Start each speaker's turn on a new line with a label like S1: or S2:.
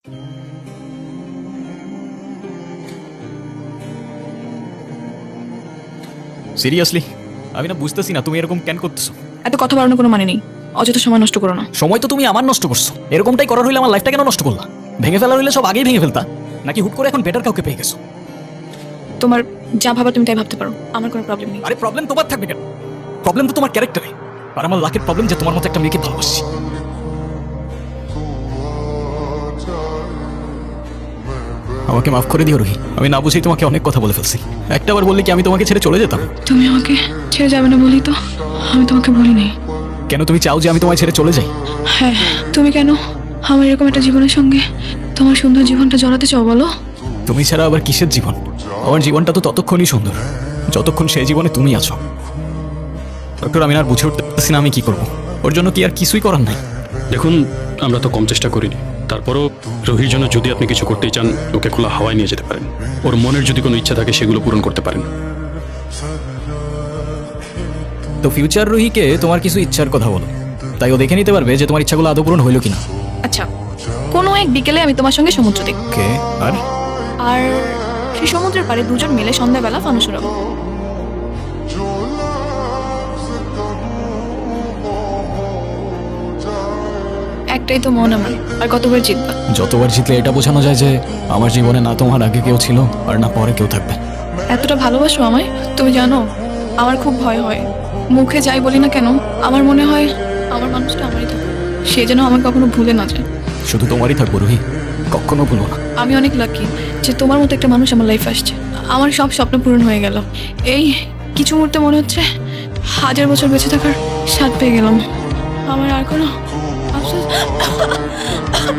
S1: Seriously আমি না বুঝতেছি না তুমি এরকম কেন করতেছো।
S2: এত কথা বাড়ানোর কোনো মানে নেই, অযথা সময় নষ্ট করো না।
S1: সময় তো তুমি আমার নষ্ট করছো, এরকমটাই করার হইলে আমার লাইফটা কেন নষ্ট করলা? ভেঙে ফেলার হইলে সব আগেই ভেঙে ফেলতা, নাকি হুট করে এখন বেটার কাউকে পেয়ে গেছো?
S2: তোমার যা ভাবা তুমি তাই ভাবতে পারো, আমার কোনো প্রবলেম নেই।
S1: আরে প্রবলেম তোমার থাকবে কেন? প্রবলেম তো তোমার ক্যারেক্টারে, আর আমার লাকের প্রবলেম যে তোমার মতো একটা মেয়েকে ভালোবাসি। আমাকে মাফ করে দিও রুহি, আমি না বুঝেই তোমাকে অনেক কথা বলে ফেলছি। একটাবার বললে কি আমি তোমাকে ছেড়ে চলে যেতাম?
S2: তুমি আমাকে ছেড়ে যাবে না বলি তো আমি তোমাকে বলিনি।
S1: কেন তুমি চাও যে আমি তোমায় ছেড়ে চলে যাই?
S2: হ্যাঁ, তুমি কেন আমার এরকম একটা জীবনের সঙ্গে তোমার সুন্দর জীবনটা জড়াতে চাও বলো?
S1: তুমি ছাড়া আবার কিসের জীবন? আমার জীবনটা তো ততক্ষণই সুন্দর যতক্ষণ সেই জীবনে তুমি আছো। ডক্টর, আমি আর বুঝে উঠতেছি না আমি কি করবো। ওর জন্য কি আর কিছুই করার নাই?
S3: দেখুন, আমরা তো কম চেষ্টা করিনি, তারপরও রোহির জন্য যদি আপনি কিছু করতেই চান, ওকে খোলা হাওয়ায় নিয়ে যেতে পারেন। ওর মনের যদি কোনো ইচ্ছা থাকে সেগুলো পূরণ করতে পারেন।
S1: তো ফিউচার রুহিকে তোমার কিছু ইচ্ছার কথা বলো, তাই ও দেখে নিতে পারবে যে তোমার ইচ্ছাগুলো আদৌ পূরণ হইল কিনা।
S2: আচ্ছা, কোনো এক বিকেলে আমি তোমার সঙ্গে সমুদ্র দেখব,
S1: ওকে, আর
S2: আর সেই সমুদ্রের পাড়ে দুজন মিলে সন্ধ্যাবেলা ফানুস উড়াবো। একটাই তো মন আমার, আর কতবার জিতবা?
S1: যতবার জিতলে এটা বোঝানো যায় যে আমার জীবনে না তোমার আগে কেউ ছিল আর না পরে কেউ থাকবে।
S2: এতটা ভালোবাসো আমায়? তুমি জানো আমার খুব ভয় হয়, মুখে যাই বলি না কেন আমার মনে হয় আমার মানুষটা আমারই থাকে, সে যেন আমাকে কখনো ভুলে না যায়।
S1: শুধু তোমারই থাকবো রুহি, কখনো ভুলো না।
S2: আমি অনেক লাকি যে তোমার মতো একটা মানুষ আমার লাইফে আসছে। আমার সব স্বপ্ন পূরণ হয়ে গেল। এই কিছু মুহূর্তে মনে হচ্ছে 1000 বছর বেঁচে থাকার স্বাদ পেয়ে গেলাম। আমার আর কোনো আফসোস